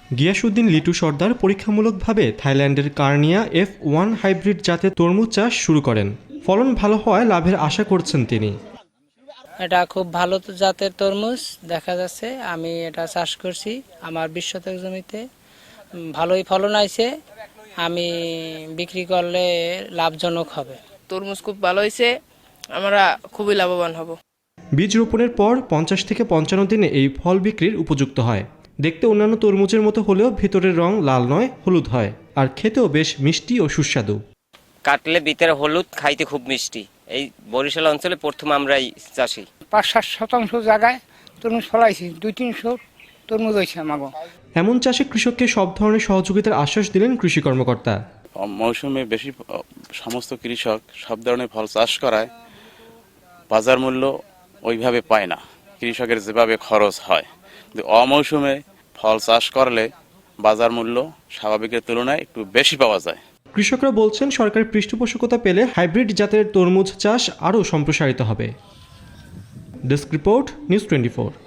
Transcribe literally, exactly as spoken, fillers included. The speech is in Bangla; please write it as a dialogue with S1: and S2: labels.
S1: গিয়াসউদ্দিন লিটু সর্দার পরীক্ষামূলকভাবে থাইল্যান্ডের কার্নিয়া এফ ওয়ান হাইব্রিড জাতের তরমুজ চাষ শুরু করেন। ফলন ভালো হওয়ায় লাভের আশা করছেন তিনি।
S2: এটা খুব ভালো জাতের তরমুজ দেখা যাচ্ছে। আমি এটা চাষ করছি আমার বিশ শতক জমিতে, ভালোই ফলন আইছে। আমি বিক্রি করলে লাভজনক হবে।
S3: তরমুজ খুব ভালো হয়েছে, আমরা খুবই লাভবান হব।
S1: বীজ রোপণের পর পঞ্চাশ থেকে পঞ্চান্ন দিনে এই ফল বিক্রির উপযুক্ত হয়। দেখতে অন্যান্য তরমুজের মতো হলেও ভিতরের রং লাল নয়, হলুদ হয়, আর খেতেও বেশ মিষ্টি ও সুস্বাদু।
S4: কাটলে ভিতরে হলুদ, খাইতে খুব মিষ্টি। এই বরিশাল অঞ্চলে প্রথম আমরাই চাষি।
S5: পাঁচ সাত শতাংশ জায়গায় তরমুজ ফলাইছি, দুই তিনশো তরমুজ হয়েছে আমাকে।
S1: এমন চাষে কৃষককে সব ধরনের সহযোগিতার আশ্বাস দিলেন কৃষি কর্মকর্তা।
S6: মৌসুমে বেশি সমস্ত কৃষক সব ধরনের ফল চাষ করায় বাজার মূল্য ওইভাবে পায় না, কৃষকের যেভাবে খরচ হয়। কিন্তু অমৌসুমে ফল চাষ করলে বাজার মূল্য স্বাভাবিকের তুলনায় একটু বেশি পাওয়া যায়।
S1: কৃষকরা বলছেন সরকারের পৃষ্ঠপোষকতা পেলে হাইব্রিড জাতের তরমুজ চাষ আরও সম্প্রসারিত হবে। Desk report, news twenty four.